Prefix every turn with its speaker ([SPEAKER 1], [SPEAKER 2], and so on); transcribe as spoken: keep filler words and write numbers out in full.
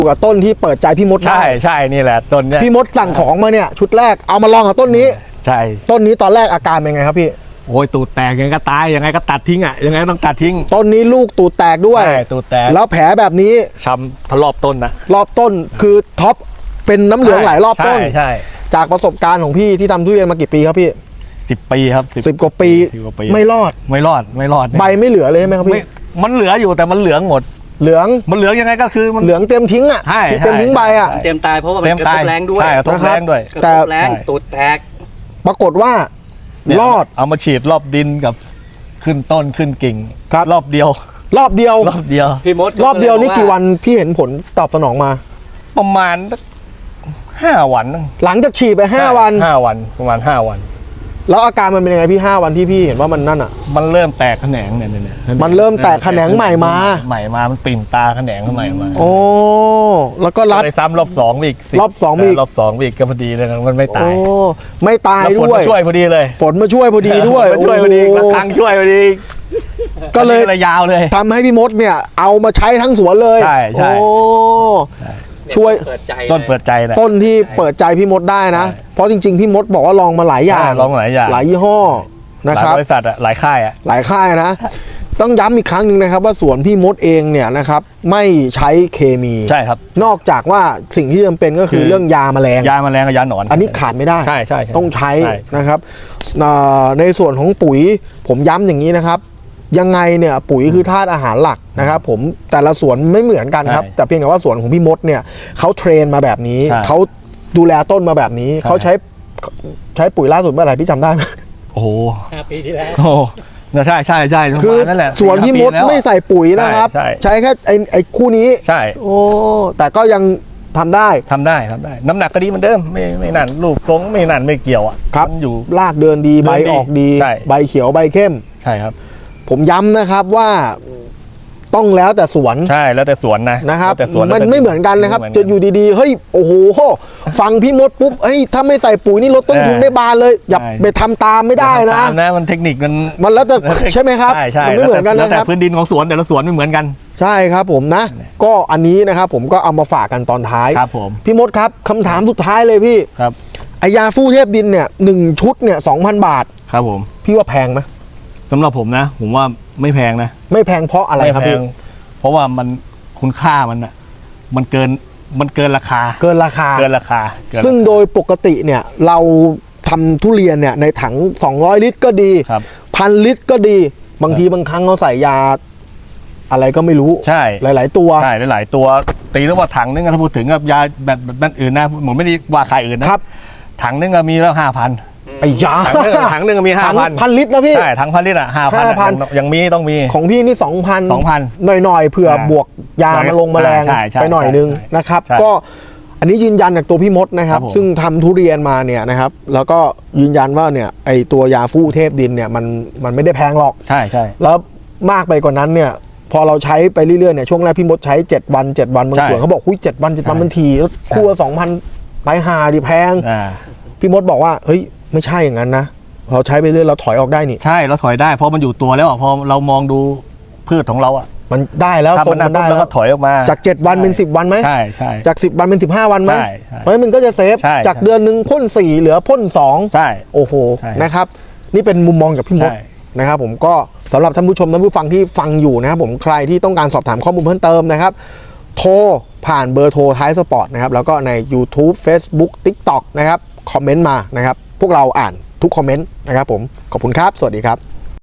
[SPEAKER 1] กับต้นที่เปิดใจพี่มด
[SPEAKER 2] ใช่ใช่นี่แหละต้นเนี้ย
[SPEAKER 1] พี่มดสั่งของมาเนี่ยชุดแรกเอามาลองกับต้นนี้
[SPEAKER 2] ใช่
[SPEAKER 1] ต้นนี้ตอนแรกอาการเป็นไงครับพี่
[SPEAKER 2] โอ้ยตูดแตกยังไงก็ตายยังไงก็ตัดทิ้งอ่ะยังไงก็ต้องตัดทิ้ง
[SPEAKER 1] ต้นนี้ลูกตูดแตกด้วย
[SPEAKER 2] ตูดแตก
[SPEAKER 1] แล้วแผลแบบนี้
[SPEAKER 2] ช้ำทะลอบต้นนะ
[SPEAKER 1] รอบต้นคือท็อปเป็นน้ำเหลืองหลายรอบต้น
[SPEAKER 2] ใช่
[SPEAKER 1] จากประสบการณ์ของพี่ที่ทำทุเรียนมากี่ปีครับพี่
[SPEAKER 2] สิบปีครับ
[SPEAKER 1] สิบกว่าปีไม่รอด
[SPEAKER 2] ไม่รอดไม่รอด
[SPEAKER 1] ใบไม่เหลือเลยใช่ไหมครับพี่
[SPEAKER 2] มันเหลืออยู่แต่มันเหลืองหมด
[SPEAKER 1] เหลือง
[SPEAKER 2] มันเหลืองยังไงก็คือมัน
[SPEAKER 1] เหลืองเต็มทิ้งอ่ะเต็มทิ้งใบอ่ะ
[SPEAKER 3] เต็มตายเพราะว่ามันกระทบแรงด้วย
[SPEAKER 2] ใช่กระทบแรงด้วย
[SPEAKER 3] กระทบแรงตูดแตก
[SPEAKER 1] ปรากฏว่ารอด
[SPEAKER 2] เอามาฉีดรอบดินกับขึ้นต้นขึ้นกิ่งรอบเดียว
[SPEAKER 1] รอบเดียว
[SPEAKER 2] รอบเดียว
[SPEAKER 3] พี่มด
[SPEAKER 1] รอบเดียวนี่กี่วันพี่เห็นผลตอบสนองมา
[SPEAKER 2] ประมาณห้าวัน
[SPEAKER 1] หลังจากฉีดไปห้าวัน
[SPEAKER 2] ห้าวันประมาณห้าวัน
[SPEAKER 1] แล้วอาการมันเป็นยังไงพี่ห้าวันที่พี่เห็นว่ามันนั่นอ่ะ
[SPEAKER 2] มันเริ่มแตกแขนงเนี่ยเนี่ย
[SPEAKER 1] มันเริ่มแตกแขนงใหม่มา
[SPEAKER 2] ใหม่มามันปิ่นตาแขนงใหม่มา
[SPEAKER 1] โอ้แล้วก็รัด
[SPEAKER 2] ไปซ้ำรอบสองอีก
[SPEAKER 1] รอบสองอีก
[SPEAKER 2] รอบสองอีกก็พอดีเลยมันไม่ตาย
[SPEAKER 1] โอ้ไม่ตายด้วย
[SPEAKER 2] ฝนมาช่วยพอดีเลย
[SPEAKER 1] ฝนมาช่วยพอดีด้วย
[SPEAKER 2] ช่วยพอดีระฆังช่วยพอดี
[SPEAKER 1] ก็เลย
[SPEAKER 2] ยาวเลย
[SPEAKER 1] ทำให้พี่มดเนี่ยเอามาใช้ทั้งสวนเลย
[SPEAKER 2] ใช่ใช่
[SPEAKER 1] ช่วย
[SPEAKER 2] ต้นเปิดใจนะ
[SPEAKER 1] ต้นที่เปิดใจพี่มดได้นะเพราะจริงๆพี่มดบอกว่าลองมาหลายอย่าง
[SPEAKER 2] ลองหลายอย่าง
[SPEAKER 1] หลายยี่ห้อนะครับ
[SPEAKER 2] หลายบริษัทอะหลายค่ายอะ
[SPEAKER 1] หลายค่ายนะต้องย้ำอีกครั้งหนึ่งนะครับว่าสวนพี่มดเองเนี่ยนะครับไม่ใช้เคมี
[SPEAKER 2] ใช่ครับ
[SPEAKER 1] นอกจากว่าสิ่งที่จำเป็นก็คือเรื่องยาแมลง
[SPEAKER 2] ยาแมลงกับยาหนอน
[SPEAKER 1] อันนี้ขาดไม่ได้
[SPEAKER 2] ใช่ใช่
[SPEAKER 1] ต้องใช้นะครับในส่วนของปุ๋ยผมย้ำอย่างนี้นะครับยังไงเนี่ยปุ๋ยคือธาตุอาหารหลักนะครับผมแต่ละสวนไม่เหมือนกันครับแต่เพียงแต่ว่าสวนของพี่มดเนี่ยเขาเทรนมาแบบนี้เขาดูแลต้นมาแบบนี้เขาใช้ใช้ปุ๋ยล่าสุดเมื่อไหร่พี่จำได้ไหม
[SPEAKER 2] โอ้โห
[SPEAKER 3] ห้าปีที่แล้ว
[SPEAKER 2] โอ้ใช่ใช่ใช่
[SPEAKER 1] คือสวนพี่มดไม่ใส่ปุ๋ยนะครับใช้แค่ไอ้ไอ้คู่นี้
[SPEAKER 2] ใช่
[SPEAKER 1] โอ้แต่ก็ยังทำได้
[SPEAKER 2] ทำได้ทำได้น้ำหนักก็ดีเหมือนเดิมไม่ไม่นั่นลูกทรงไม่นั่นไม่เกี่ยวอ่ะ
[SPEAKER 1] ครับอยู่รากเดินดีใบออกดีใบเขียวใบเข้ม
[SPEAKER 2] ใช่ครับ
[SPEAKER 1] ผมย้ำนะครับว่าต้องแล้วแต่สวน
[SPEAKER 2] ใช่แล้วแต่สวนนะ
[SPEAKER 1] นะครับมันไม่เหมือนกันนะครับจะอยู่ดีๆเฮ้ยโอ้โหฟังพี่มดปุ๊บเฮ้ยถ้าไม่ใส่ปุ๋ยนี่ลดต้นทุนได้บานเลยอย่าไปทำตามไม่ได้นะ
[SPEAKER 2] นะมันเทคนิคมัน
[SPEAKER 1] มันแล้วแต่ใช่ไหมครับ
[SPEAKER 2] มันไม่เหมือนกันนะครับแต่พื้นดินของสวนแต่ละสวนไม่เหมือนกัน
[SPEAKER 1] ใช่ครับผมนะก็อันนี้นะครับผมก็เอามาฝากกันตอนท้าย
[SPEAKER 2] ครับผม
[SPEAKER 1] พี่มดครับคำถามสุดท้ายเลยพี่
[SPEAKER 2] ครับ
[SPEAKER 1] ไอยาฟู่เทพดินเนี่ยหนึ่งชุดเนี่ยสองพันบาท
[SPEAKER 2] ครับผม
[SPEAKER 1] พี่ว่าแพงไหม
[SPEAKER 2] สำหรับผมนะผมว่าไม่แพงนะ
[SPEAKER 1] ไม่แพงเพราะอะไรครับพี่
[SPEAKER 2] เพราะว่ามันคุณค่ามันอ่ะมันเกินมันเกินราคา
[SPEAKER 1] เกินราคา
[SPEAKER 2] เกินราคา
[SPEAKER 1] ซึ่งโดยปกติเนี่ยเราทำทุเรียนเนี่ยในถังสองร้อยลิตรก็ดีพันลิตรก็ดีบางทีบางครั้งเขาใส่ยาอะไรก็ไม่รู้
[SPEAKER 2] ใช่
[SPEAKER 1] หลายๆตัว
[SPEAKER 2] ใช่หลายๆตัวตีแล้วว่าถังนึงถ้าพูดถึงกับยาแบบแบบอื่นนะผมไม่ได้ว่าใครอื่นนะครับถังนึงก็มีแล้วห้าพัน
[SPEAKER 1] ไอ้ยา
[SPEAKER 2] ถังหนึ่งมีห้าพัน
[SPEAKER 1] พันลิตรนะพี่
[SPEAKER 2] ใช่ถังพันลิตรอ่ะห้าพันยังมีต้องมี
[SPEAKER 1] ของพี่นี่สองพัน
[SPEAKER 2] สองพัน
[SPEAKER 1] หน่อยๆเผื่อบวกยามาลงแมลงไปหน่อยนึงนะครับก็อันนี้ยืนยันจากตัวพี่มดนะครับซึ่งทำทุเรียนมาเนี่ยนะครับแล้วก็ยืนยันว่าเนี่ยไอตัวยาฟู่เทพดินเนี่ยมันมันไม่ได้แพงหรอก
[SPEAKER 2] ใช่ใช่
[SPEAKER 1] แล้วมากไปกว่านั้นเนี่ยพอเราใช้ไปเรื่อยๆเนี่ยช่วงแรกพี่มดใช้เจ็ดวันเจ็ดวันบางส่วนเขาบอกหุ้ยเจ็ดวันเจ็ดวันมันทีแล้วคู่ละสองพันไปหาดิแพงพี่มดบอกว่าเฮ้ยไม่ใช่อย่างนั้นนะเราใช้ไปเรื่อยเราถอยออกได้นี่
[SPEAKER 2] ใช่เราถอยได้เพราะมันอยู่ตัวแล้วพอเรามองดูพืชของเราอ่ะ
[SPEAKER 1] มันได้แล้ว
[SPEAKER 2] ทรงมันได้แล้วก็ถอยออกมา
[SPEAKER 1] จากเจ็ดวันเป็นสิบวันไหม
[SPEAKER 2] ใช่ใช่
[SPEAKER 1] จากสิบวันเป็นสิบห้าวันไหมเพราะมันก็จะเซฟจากเดือนหนึ่งพ่นสี่เหลือพ่นสอง
[SPEAKER 2] ใช่
[SPEAKER 1] โอ้โหนะครับนี่เป็นมุมมองจากพี่มดนะครับผมก็สำหรับท่านผู้ชมท่านผู้ฟังที่ฟังอยู่นะครับผมใครที่ต้องการสอบถามข้อมูลเพิ่มเติมนะครับโทรผ่านเบอร์โทรท้ายสปอร์ตนะครับแล้วก็ใน YouTube Facebook TikTok นะครับคอมเมนต์มานะครับพวกเราอ่านทุกคอมเมนต์นะครับผมขอบคุณครับสวัสดีครับ